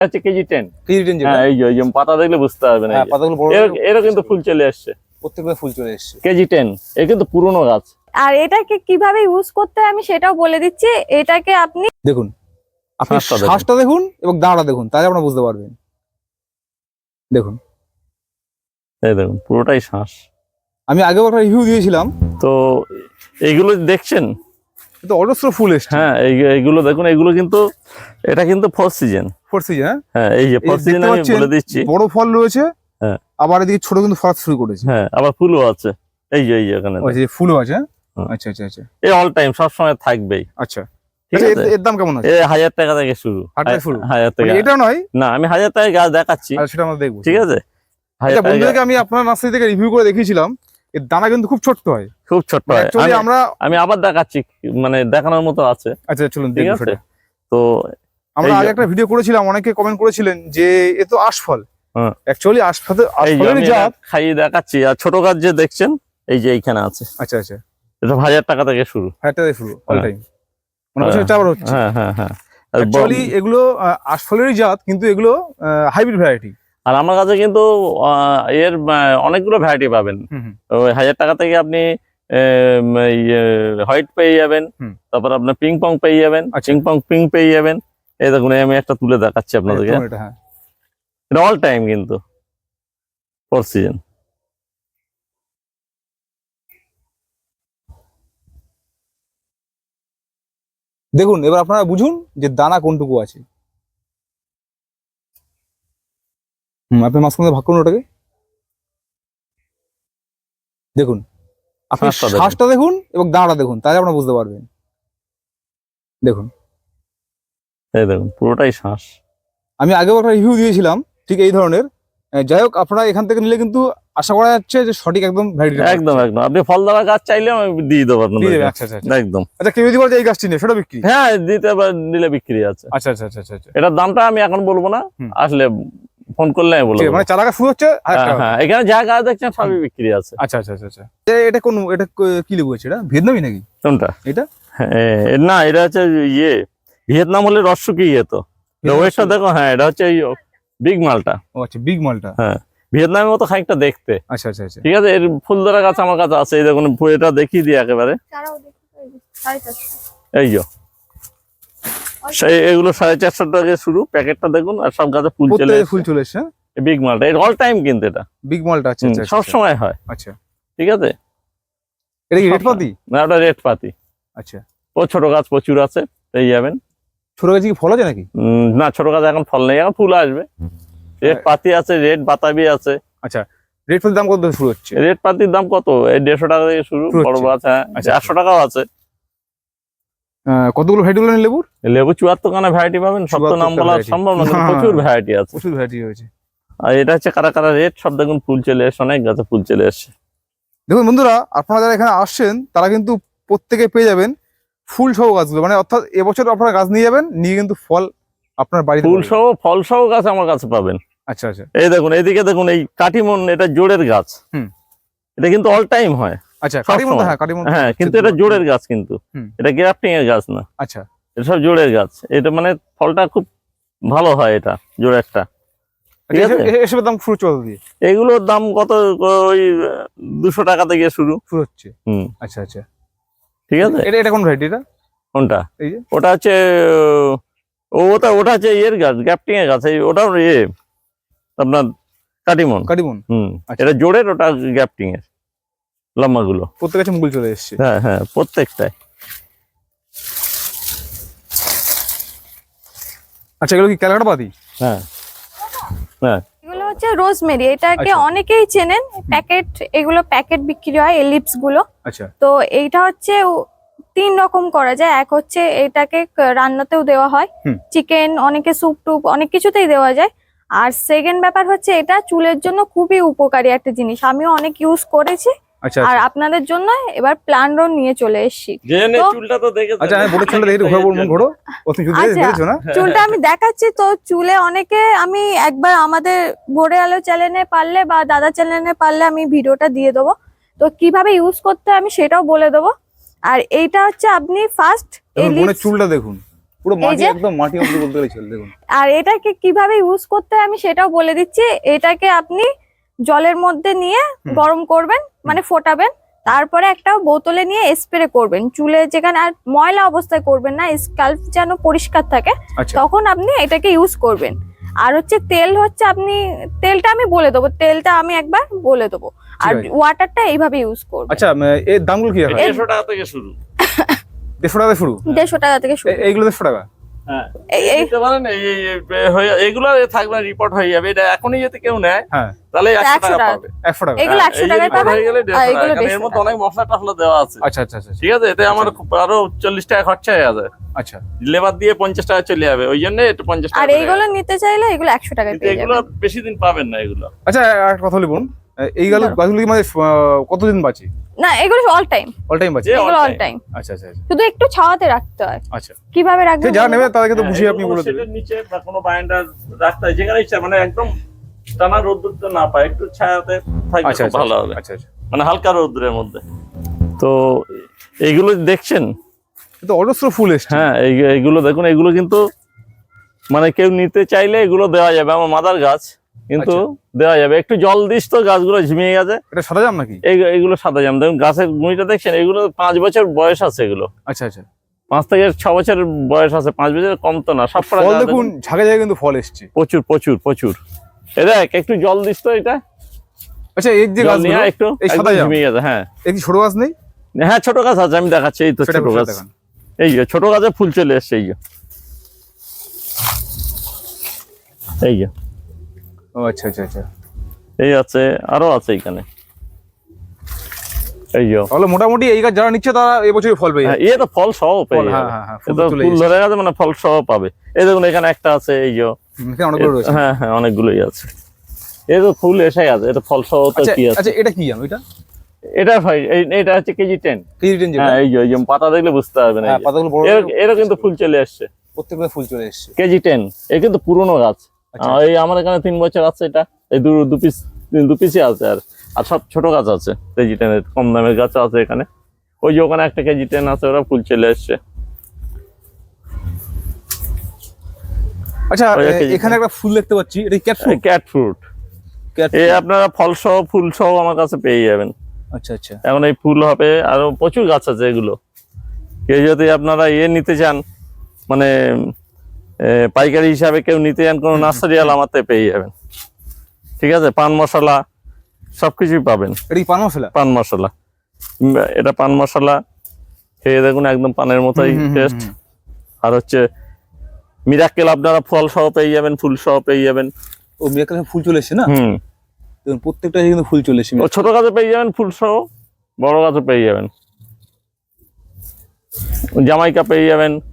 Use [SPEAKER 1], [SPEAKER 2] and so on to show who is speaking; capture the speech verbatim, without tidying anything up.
[SPEAKER 1] আচ্ছা KG ten
[SPEAKER 2] KG ten যেটা
[SPEAKER 1] হ্যাঁ এই যে এই যে পাতা দেখলে বুঝতে পারবেন
[SPEAKER 2] হ্যাঁ পাতাগুলো বড়
[SPEAKER 1] এর কিন্তু ফুল চলে আসছে
[SPEAKER 2] প্রত্যেকটা ফুল চলে এসেছে
[SPEAKER 1] কেজি টেন এ কিন্তু পুরনো গাছ।
[SPEAKER 3] আর এটাকে কিভাবে ইউজ করতে হয় আমি সেটাও বলে দিচ্ছি। এটাকে আপনি
[SPEAKER 2] দেখুন আপনি
[SPEAKER 1] শ্বাসটা দেখুন।
[SPEAKER 2] শ্বাসটা দেখুন এবং দাঁড়া দেখুন তাহলে আপনারা বুঝতে পারবেন। দেখুন
[SPEAKER 1] এই দেখুন পুরোটাই শ্বাস।
[SPEAKER 2] আমি আগেও একটা রিভিউ দিয়েছিলাম
[SPEAKER 1] তো এইগুলো দেখছেন
[SPEAKER 2] তো অজস্র ফুল এসছে।
[SPEAKER 1] হ্যাঁ এই- এইগুলো দেখুন এগুলো কিন্তু এটা কিন্তু ফোর সিজন
[SPEAKER 2] ফোর সিজন
[SPEAKER 1] হ্যাঁ এই যে ফোর সিজন আমি বলে দিচ্ছি।
[SPEAKER 2] বড় ফল রয়েছে
[SPEAKER 1] হ্যাঁ
[SPEAKER 2] আবার এদিকে ছোট কিন্তু ফল শুরু করেছে।
[SPEAKER 1] হ্যাঁ আবার ফুলও আছে এই যে এই যে এখানে
[SPEAKER 2] ওই যে ফুলও আছে।
[SPEAKER 1] হুম।
[SPEAKER 2] আচ্ছা আচ্ছা আচ্ছা
[SPEAKER 1] এই অল টাইম সব সময় থাকবেই।
[SPEAKER 2] আচ্ছা
[SPEAKER 1] ঠিক
[SPEAKER 2] আচ্ছা,
[SPEAKER 1] আছে
[SPEAKER 2] এর- এর দাম কেমন আছে?
[SPEAKER 1] এ হাজার টাকা থেকে শুরু
[SPEAKER 2] হাজার টাকা শুরু?
[SPEAKER 1] হাজার টাকা
[SPEAKER 2] মানে এটা নয়
[SPEAKER 1] না আমি হাজার টাকায় গাছ দেখাচ্ছি
[SPEAKER 2] আর সেটা আমরা দেখবো।
[SPEAKER 1] ঠিক আছে হাজার
[SPEAKER 2] আচ্ছা
[SPEAKER 1] টাকা
[SPEAKER 2] বন্ধুদেরকে আমি আপনার নার্সারি থেকে রিভিউ করে দেখিয়েছিলাম এর দানা কিন্তু খুব ছোট্ট হয়।
[SPEAKER 1] খুব ছোট্ট হয়।
[SPEAKER 2] অ্যাকচুয়ালি
[SPEAKER 1] আমি-
[SPEAKER 2] আমরা
[SPEAKER 1] আমি আবার দেখাচ্ছি মানে দেখানোর মতো আছে
[SPEAKER 2] আচ্ছা চলুন
[SPEAKER 1] ঠিক
[SPEAKER 2] দেখবো
[SPEAKER 1] আছে
[SPEAKER 2] সেটা।
[SPEAKER 1] তো
[SPEAKER 2] আমরা
[SPEAKER 1] এই
[SPEAKER 2] আগে
[SPEAKER 1] যে-
[SPEAKER 2] একটা ভিডিও করেছিলাম অনেকে কমেন্ট করেছিলেন যে এ তো আশফল।
[SPEAKER 1] হ্যাঁ।
[SPEAKER 2] অ্যাকচুয়ালি আশফলের
[SPEAKER 1] এই যে
[SPEAKER 2] আশফলের
[SPEAKER 1] আমি এটা
[SPEAKER 2] জাত।
[SPEAKER 1] খাইয়ে দেখাচ্ছি আর ছোট গাছ যে দেখছেন এই যে এইখানে আছে
[SPEAKER 2] আচ্ছা আচ্ছা
[SPEAKER 1] এটা হাজার টাকা থেকে শুরু।
[SPEAKER 2] হাজার টাকা শুরু অল
[SPEAKER 1] হ্যাঁ।
[SPEAKER 2] টাইম মানে বছর চার হচ্ছে।
[SPEAKER 1] হ্যাঁ হ্যাঁ হ্যাঁ আর ব-
[SPEAKER 2] অ্যাকচুয়ালি এগুলো আহ, আশফলেরই জাত কিন্তু এগুলো হাইব্রিড ভ্যারাইটি।
[SPEAKER 1] আর আমার কাছে কিন্তু আহ, এর আহ, অনেকগুলো ভ্যারাইটি পাবেন। ওই হাজার টাকা থেকে আপনি হোয়াইট পেয়ে যাবেন
[SPEAKER 2] হুম।
[SPEAKER 1] তারপর আপনার পিং পং পেয়ে যাবেন
[SPEAKER 2] আচ্ছা।
[SPEAKER 1] পিং পং পিঙ্ক পেয়ে যাবেন। এই দেখুন এই আমি একটা তুলে দেখাচ্ছি আপনাদেরকে
[SPEAKER 2] এটা হ্যাঁ
[SPEAKER 1] এটা অল টাইম কিন্তু ফোর সিজন।
[SPEAKER 2] দেখুন এবার আপনারা বুঝুন যে দানা কোনটুকু আছে। হুম আপনি মাঝখানে ভাগ করুন ওটাকে। দেখুন আপনি
[SPEAKER 1] শ্বাসটা দেখুন।
[SPEAKER 2] শ্বাসটা দেখুন এবং দাঁড়া দেখুন তাহলে আপনারা বুঝতে পারবেন। দেখুন
[SPEAKER 1] এই দেখুন পুরোটাই শ্বাস।
[SPEAKER 2] আমি আগেও একটা রিভিউ দিয়েছিলাম ঠিক এই ধরনের। আহ, যাই হোক আপনারা এখান থেকে নিলে কিন্তু আশা করা যাচ্ছে যে সঠিক একদম ভ্যারাইটি
[SPEAKER 1] একদম একদম আপনি ফল দেওয়া গাছ চাইলেও আমি দিয়ে দেবো আপনাদের
[SPEAKER 2] আচ্ছা আচ্ছা আচ্ছা।
[SPEAKER 1] একদম।
[SPEAKER 2] আচ্ছা কেউ যদি বলে যে এই গাছটি নেই সেটা বিক্রি?
[SPEAKER 1] হ্যাঁ দিতে পার- দিলে বিক্রি আছে।
[SPEAKER 2] আচ্ছা আচ্ছা আচ্ছা আচ্ছা আচ্ছা
[SPEAKER 1] এটার দামটা আমি এখন বলবো না
[SPEAKER 2] হুম।
[SPEAKER 1] আসলে ফোন করলে আমি বলবো।
[SPEAKER 2] ঠিক আছে, মানে চারা গাছ শুরু হচ্ছে হাজার
[SPEAKER 1] হ্যাঁ
[SPEAKER 2] টাকা।
[SPEAKER 1] হ্যাঁ এখানে যা গাছ দেখছেন সবই বিক্রি আছে।
[SPEAKER 2] আচ্ছা আচ্ছা আচ্ছা আচ্ছা এ- এটা কোন এটা ক- কি লেবু আছে এটা ভিয়েতনামি নাকি
[SPEAKER 1] কোনটা
[SPEAKER 2] এটা?
[SPEAKER 1] হ্যাঁ, না এটা হচ্ছে ইয়ে ভিয়েতনাম হলে রসুকি ইয়ে তো ওয়েটটা দেখো হ্যাঁ এটা হচ্ছে বিগ মালটা।
[SPEAKER 2] ও আচ্ছা বিগ মালটা।
[SPEAKER 1] হ্যাঁ ভিয়েতনামের মতো খানিকটা দেখতে
[SPEAKER 2] আচ্ছা আচ্ছা আচ্ছা
[SPEAKER 1] ঠিক আছে। এর ফুল ধরা গাছ আমার কাছে আছে এই দেখুন ফু- এটা দেখিয়ে দিই একেবারে
[SPEAKER 3] ছাড়াও দেখুন এই যে সাড়ে চারশো।
[SPEAKER 1] এই যে সেই এগুলো সাড়ে চারশো টাকা শুরু প্যাকেটটা দেখুন আর সব গাছে ফুল চলে
[SPEAKER 2] প্রত্যেকটা ফুল চলে এসছে।
[SPEAKER 1] বিগ মালটা এটা অল টাইম কিন্তু এটা
[SPEAKER 2] বিগ মালটা আচ্ছা
[SPEAKER 1] হুম,
[SPEAKER 2] আচ্ছা
[SPEAKER 1] সব
[SPEAKER 2] আচ্ছা
[SPEAKER 1] সময় হয়
[SPEAKER 2] আচ্ছা
[SPEAKER 1] ঠিক আছে।
[SPEAKER 2] এটা কি
[SPEAKER 1] সব
[SPEAKER 2] রেড পাতি?
[SPEAKER 1] না ওটা রেড পাতি
[SPEAKER 2] আচ্ছা
[SPEAKER 1] ও ছোট গাছ প্রচুর আছে পেয়ে যাবেন।
[SPEAKER 2] ছোট গাছে কি ফল আছে নাকি?
[SPEAKER 1] উম, না ছোট গাছ এখন ফল নেই এখন ফুল আসবে। রেড পাতি আছে রেড বাতাবি আছে।
[SPEAKER 2] আচ্ছা রেড ফুলের দাম কত থেকে শুরু হচ্ছে?
[SPEAKER 1] রেড পাতির দাম কত এই দেড়শো টাকা থেকে শুরু
[SPEAKER 2] শুরু
[SPEAKER 1] বড়
[SPEAKER 2] হচ্ছে।
[SPEAKER 1] গাছ হ্যাঁ
[SPEAKER 2] আচ্ছা,
[SPEAKER 1] চারশো টাকাও আছে।
[SPEAKER 2] আহ, কতগুলো ভ্যারাইটি বলেন লেবুর?
[SPEAKER 1] লেবু চুয়াত্তর খানা ভ্যারাইটি পাবেন সব তো নাম
[SPEAKER 2] চুয়াত্তরটা
[SPEAKER 1] বলা
[SPEAKER 2] variety।
[SPEAKER 1] সম্ভব না কিন্তু
[SPEAKER 2] হ্যাঁ।
[SPEAKER 1] প্রচুর ভ্যারাইটি আছে।
[SPEAKER 2] প্রচুর ভ্যারাইটি হয়েছে।
[SPEAKER 1] আর এটা হচ্ছে কারা কারা রেড সব দেখুন ফুল চলে এসছে অনেক গাছে ফুল চলে এসছে।
[SPEAKER 2] দেখুন বন্ধুরা আপনারা যারা এখানে আসছেন তারা কিন্তু প্রত্যেকে পেয়ে যাবেন ফুল সহ গাছগুলো মানে অর্থাৎ এবছর আপনারা গাছ নিয়ে যাবেন নিয়ে কিন্তু ফল আপনার বাড়িতে
[SPEAKER 1] ফুল
[SPEAKER 2] পাবেন।
[SPEAKER 1] সহ ফল সহ গাছ আমার কাছে পাবেন।
[SPEAKER 2] আচ্ছা আচ্ছা
[SPEAKER 1] এই দেখুন এইদিকে দেখুন এই কাটিমন এটা জোড়ের গাছ।
[SPEAKER 2] হুম।
[SPEAKER 1] এটা কিন্তু অল টাইম হয়
[SPEAKER 2] আচ্ছা
[SPEAKER 1] সব
[SPEAKER 2] কাটিমন
[SPEAKER 1] সময়।
[SPEAKER 2] হ্যাঁ কাটিমন
[SPEAKER 1] হ্যাঁ কিন্তু এটা জোড়ের গাছ কিন্তু
[SPEAKER 2] হুম।
[SPEAKER 1] এটা গ্রাফটিং এর গাছ না
[SPEAKER 2] আচ্ছা
[SPEAKER 1] এটা সব জোড়ের গাছ। এটা মানে ফলটা খুব ভালো হয় এটা জোড়েরটা ঠিক আছে।
[SPEAKER 2] এ- এসবের দাম শুরু চল দিয়ে
[SPEAKER 1] এগুলোর দাম কত ওই দুশো টাকা থেকে শুরু।
[SPEAKER 2] শুরু হচ্ছে।
[SPEAKER 1] হুম
[SPEAKER 2] আচ্ছা আচ্ছা
[SPEAKER 1] ঠিক আছে।
[SPEAKER 2] এটা এটা কোন ভ্যারাইটি এটা?
[SPEAKER 1] কোনটা
[SPEAKER 2] এই যে
[SPEAKER 1] ওটা হচ্ছে ও ওটা ওটা হচ্ছে ইয়ের গাছ গ্যাপটিং এর গাছ এই ওটাও ইয়ে আপনার কাটিমন।
[SPEAKER 2] কাটিমন
[SPEAKER 1] হুম
[SPEAKER 2] আচ্ছা।
[SPEAKER 1] এটা জোড়ের ওটা গ্যাপটিং এর লম্বা গুলো।
[SPEAKER 2] প্রত্যেক গাছে মুকুল চলে এসছে।
[SPEAKER 1] হ্যাঁ হ্যাঁ প্রত্যেকটাই।
[SPEAKER 2] আচ্ছা এগুলো কি ক্যালকাটা পাতি?
[SPEAKER 1] হ্যাঁ হ্যাঁ
[SPEAKER 3] এগুলো হচ্ছে রোজমেরি, এটাকে
[SPEAKER 2] আচ্ছা।
[SPEAKER 3] অনেকেই চেনেন। প্যাকেট এগুলো প্যাকেট বিক্রি হয় এলিপস গুলো।
[SPEAKER 2] আচ্ছা
[SPEAKER 3] তো এইটা হচ্ছে উ- তিন রকম করা যায়। এক হচ্ছে এটাকে ক- রান্নাতেও দেওয়া হয়,
[SPEAKER 2] হুম।
[SPEAKER 3] চিকেন অনেকে স্যুপ টুপ অনেক কিছুতেই দেওয়া যায়। আর সেকেন্ড ব্যাপার হচ্ছে এটা চুলের জন্য খুবই উপকারী একটা জিনিস, আমিও অনেক ইউজ করেছি।
[SPEAKER 2] আচ্ছা
[SPEAKER 3] আর
[SPEAKER 2] আচ্ছা
[SPEAKER 3] আপনাদের জন্য এবার প্ল্যানরও নিয়ে চলে এসেছি।
[SPEAKER 1] জেনে
[SPEAKER 3] তো-
[SPEAKER 1] চুলটা তো দেখে
[SPEAKER 2] আচ্ছা আমি বলে চলে দেখি ঘোরা বলবো ঘোরো ও তুমি শুধু
[SPEAKER 3] আচ্ছা।
[SPEAKER 2] দেখেছো না?
[SPEAKER 3] চুলটা আমি দেখাচ্ছি তো চুলে অনেকে আমি একবার আমাদের ভোরে আলো চ্যানেলে পারলে বা দাদা চ্যানেলে পারলে আমি ভিডিওটা দিয়ে দেবো, তো কিভাবে ইউজ করতে হয় আমি সেটাও বলে দেবো। আর এইটা হচ্ছে আপনি ফার্স্ট এই
[SPEAKER 2] দেখুন বোনের চুলটা দেখুন পুরো
[SPEAKER 3] এই
[SPEAKER 2] মাটি
[SPEAKER 3] যে-
[SPEAKER 2] একদম মাটি অবধি বলতে গেলে চলে দেখুন।
[SPEAKER 3] আর এটাকে কিভাবে ইউজ করতে হয় আমি সেটাও বলে দিচ্ছি। এটাকে আপনি জলের মধ্যে নিয়ে
[SPEAKER 2] হুম।
[SPEAKER 3] গরম করবেন, মানে ফোটাবেন, তারপরে একটা বোতলে নিয়ে স্প্রে করবেন চুলে যেখানে, আর ময়লা অবস্থায় করবেন না, স্কাল্প যেন পরিষ্কার থাকে,
[SPEAKER 2] আচ্ছা
[SPEAKER 3] তখন আপনি এটাকে ইউজ করবেন। আর হচ্ছে তেল হচ্ছে আপনি, তেলটা আমি বলে দেবো, তেলটা আমি একবার বলে দেবো, আর
[SPEAKER 2] ঠিক আছে।
[SPEAKER 3] ওয়াটারটা এইভাবে ইউজ করবেন।
[SPEAKER 2] আচ্ছা উম, এর দামগুলো কি রাখা হয়?
[SPEAKER 1] দেড়শো টাকা থেকে শুরু।
[SPEAKER 2] দেড়শো টাকা থেকে শুরু,
[SPEAKER 3] দেড়শো টাকা থেকে শুরু।
[SPEAKER 2] এ- এইগুলো দেড়শো টাকা।
[SPEAKER 1] হ্যাঁ,
[SPEAKER 3] এই- এই-
[SPEAKER 1] নিতে পারেন। এই এই- এই- হয়ে এগুলো থাকবে, রিপোর্ট হয়ে যাবে। এটা এখনই যদি কেউ নেয়
[SPEAKER 2] হ্যাঁ
[SPEAKER 1] তাহলে একশো
[SPEAKER 3] একশো
[SPEAKER 1] টাকা
[SPEAKER 3] টাকা।
[SPEAKER 1] পাবে।
[SPEAKER 2] একশো টাকা।
[SPEAKER 3] এগুলো
[SPEAKER 1] হ্যাঁ,
[SPEAKER 3] একশো
[SPEAKER 1] এই যে
[SPEAKER 3] টাকায়
[SPEAKER 1] report
[SPEAKER 3] পাবেন,
[SPEAKER 1] হয়ে গেলে
[SPEAKER 3] আর
[SPEAKER 1] দেড়শো টাকা,
[SPEAKER 3] এগুলো
[SPEAKER 1] কারণ এর
[SPEAKER 3] দেড়শো
[SPEAKER 1] মধ্যে
[SPEAKER 3] টাকা।
[SPEAKER 1] অনেক মশলা টসলা দেওয়া আছে।
[SPEAKER 2] আচ্ছা আচ্ছা আচ্ছা
[SPEAKER 1] ঠিক আছে, এতে আমার খুব আরো চল্লিশ টাকা খরচা হয়ে যাবে,
[SPEAKER 2] আচ্ছা।
[SPEAKER 1] লেবার দিয়ে পঞ্চাশ টাকা চলে যাবে, ওই জন্য একটু পঞ্চাশ টাকা
[SPEAKER 3] আর
[SPEAKER 1] করে
[SPEAKER 3] এইগুলো নিতে চাইলে এগুলো একশো টাকায়
[SPEAKER 1] কিন্তু
[SPEAKER 3] পেয়ে
[SPEAKER 1] এগুলো
[SPEAKER 3] যাবেন।
[SPEAKER 1] বেশি দিন পাবেন না এগুলো।
[SPEAKER 2] আচ্ছা একটা কথা বলুন, এই গাছ
[SPEAKER 3] বলো।
[SPEAKER 2] গাছগুলো কি মানে আহ, কতদিন বাঁচে?
[SPEAKER 3] না, এগুলো অল টাইম,
[SPEAKER 2] অল টাইম বাঁচে?
[SPEAKER 1] যে all
[SPEAKER 3] এগুলো অল
[SPEAKER 1] time।
[SPEAKER 3] টাইম।
[SPEAKER 2] আচ্ছা আচ্ছা আচ্ছা
[SPEAKER 3] শুধু একটু ছাওয়াতে রাখতে হয়।
[SPEAKER 2] আচ্ছা।
[SPEAKER 3] কিভাবে রাখবেন
[SPEAKER 2] সে যারা
[SPEAKER 3] বলুন
[SPEAKER 2] নেবে
[SPEAKER 3] তো?
[SPEAKER 2] তাদেরকে তো
[SPEAKER 1] হ্যাঁ,
[SPEAKER 2] বুঝিয়ে আপনি
[SPEAKER 1] এগুলো
[SPEAKER 2] বলে দেবেন।
[SPEAKER 1] শেডের নিচে বা কোনো বারান্দার রাস্তায় যেখানে ইচ্ছা, মানে একদম টানা রোদ্দুর তো না পায়, একটু ছায়াতে থাকলে
[SPEAKER 2] আচ্ছা
[SPEAKER 1] খুব
[SPEAKER 2] আচ্ছা
[SPEAKER 1] ভালো হবে,
[SPEAKER 2] আচ্ছা আচ্ছা।
[SPEAKER 1] মানে হালকা রোদ্দুরের মধ্যে। তো এইগুলো দেখছেন,
[SPEAKER 2] তো অজস্র ফুল এসছে।
[SPEAKER 1] হ্যাঁ এই- এইগুলো দেখুন, এগুলো কিন্তু মানে কেউ নিতে চাইলে এগুলো দেওয়া যাবে, আমার মাদার গাছ কিন্তু দেওয়া যাবে। একটু জল দিস তো গাছগুলো ঝিমিয়ে গেছে।
[SPEAKER 2] এটা সাদা জাম নাকি?
[SPEAKER 1] এই এইগুলো সাদা জাম, দেখুন গাছের গুঁড়িটা দেখছেন, এগুলো পাঁচ বছর বয়স আছে, এগুলো
[SPEAKER 2] আচ্ছা আচ্ছা।
[SPEAKER 1] পাঁচ থেকে ছ বছর বয়স আছে, পাঁচ বছর কম তো না। সব কটা
[SPEAKER 2] ফল
[SPEAKER 1] গাছ
[SPEAKER 2] দেখুন, ঝাঁকে ঝাঁকে কিন্তু ফল এসছে।
[SPEAKER 1] প্রচুর প্রচুর প্রচুর। এ দেখ, একটু জল দিস তো, এটা
[SPEAKER 2] আচ্ছা এই যে
[SPEAKER 1] জল
[SPEAKER 2] গাছগুলো,
[SPEAKER 1] নিয়ে একটু
[SPEAKER 2] এই
[SPEAKER 1] একদম
[SPEAKER 2] সাদা জাম,
[SPEAKER 1] ঝিমিয়ে গেছে। হ্যাঁ
[SPEAKER 2] এই কি ছোট গাছ নেই?
[SPEAKER 1] হ্যাঁ, ছোট গাছ আছে, আমি দেখাচ্ছি। এই তো
[SPEAKER 2] সেটা
[SPEAKER 1] ছোট
[SPEAKER 2] সেটা
[SPEAKER 1] গাছ,
[SPEAKER 2] দেখান।
[SPEAKER 1] এই যে ছোট গাছে ফুল চলে এসছে, এই যে এই যে
[SPEAKER 2] ও আচ্ছা আচ্ছা আচ্ছা।
[SPEAKER 1] এই আছে, আরো আছে এখানে, এই যে
[SPEAKER 2] তাহলে মোটামুটি এই গাছ যারা নিচ্ছে তারা এবছরই ফল পেয়ে
[SPEAKER 1] হ্যাঁ,
[SPEAKER 2] যাবে।
[SPEAKER 1] এ তো ফল সহ পেয়ে
[SPEAKER 2] ফল, হ্যাঁ
[SPEAKER 1] যাবে।
[SPEAKER 2] হ্যাঁ হ্যাঁ,
[SPEAKER 1] এ
[SPEAKER 2] ফুল
[SPEAKER 1] তো
[SPEAKER 2] চলে
[SPEAKER 1] ফুল
[SPEAKER 2] এসেছে।
[SPEAKER 1] ধরে গেছে, মানে ফল সহ পাবে। এই দেখুন এখানে একটা আছে, এই যে
[SPEAKER 2] হুম, এখানে অনেকগুলো রয়েছে।
[SPEAKER 1] হ্যাঁ হ্যাঁ, অনেকগুলোই আছে। এই তো ফুল এসে আছে, এটা ফল সহ তো
[SPEAKER 2] আচ্ছা
[SPEAKER 1] কি আছে।
[SPEAKER 2] আচ্ছা, এটা কি জাম? এটা
[SPEAKER 1] এটা ভাই এই- এটা হচ্ছে কেজি টেন।
[SPEAKER 2] কেজি টেন যেটা?
[SPEAKER 1] হ্যাঁ, এই যে এই যে পাতা দেখলে বুঝতে পারবেন, এই
[SPEAKER 2] হ্যাঁ,
[SPEAKER 1] যে।
[SPEAKER 2] পাতাগুলো বড়
[SPEAKER 1] এর
[SPEAKER 2] বড়,
[SPEAKER 1] এরও কিন্তু ফুল চলে আসছে,
[SPEAKER 2] প্রত্যেকটা ফুল চলে এসছে।
[SPEAKER 1] KG ten. এ কিন্তু পুরনো গাছ।
[SPEAKER 2] আচ্ছা।
[SPEAKER 1] আহ, এই আমার এখানে তিন বছর আছে, এটা এই দু দু পিস দু পিসই আছে, আর আর সব ছোট গাছ আছে, কেজি টেনের কম দামের গাছ আছে এখানে। ওই যে ওখানে একটা কেজি টেন আছে, ওরা ফুল চলে আসছে।
[SPEAKER 2] আচ্ছা
[SPEAKER 1] ওই
[SPEAKER 2] এ-
[SPEAKER 1] একটা
[SPEAKER 2] এখানে একটা ফুল দেখতে পাচ্ছি, এটা ক্যাট ফ্রুট?
[SPEAKER 1] ক্যাট ফ্রুট, এ আপনারা ফল সহ ফুল সহ আমার কাছে পেয়ে যাবেন।
[SPEAKER 2] আচ্ছা আচ্ছা।
[SPEAKER 1] এখন এই ফুল হবে, আরো প্রচুর গাছ আছে এগুলো। কেউ যদি আপনারা ইয়ে নিতে চান, মানে এ, পাইকারি হিসাবে কেউ নিতে চান, কোনো নার্সারি আল আমাতে পেয়ে যাবেন। ঠিক আছে, পান মশলা সবকিছুই পাবেন।
[SPEAKER 2] এটা কি পান মশলা?
[SPEAKER 1] পান মশলা, উম, এটা পান মশলা খেয়ে দেখুন, একদম পানের মতোই
[SPEAKER 2] হুম, হুম, হুম,
[SPEAKER 1] টেস্ট।
[SPEAKER 2] হুম।
[SPEAKER 1] আর হচ্ছে মিরাক্কেল, আপনারা ফল সহ পেয়ে যাবেন, ফুল সহ পেয়ে যাবেন।
[SPEAKER 2] ও মিরাকেলের ফুল চলে এসছে না?
[SPEAKER 1] হুম,
[SPEAKER 2] দেখুন প্রত্যেকটা কিন্তু ফুল চলে এসছে।
[SPEAKER 1] ও ছোট গাছে পেয়ে যাবেন ফুল সহ, বড় গাছে পেয়ে যাবেন, জামাইকা পেয়ে যাবেন,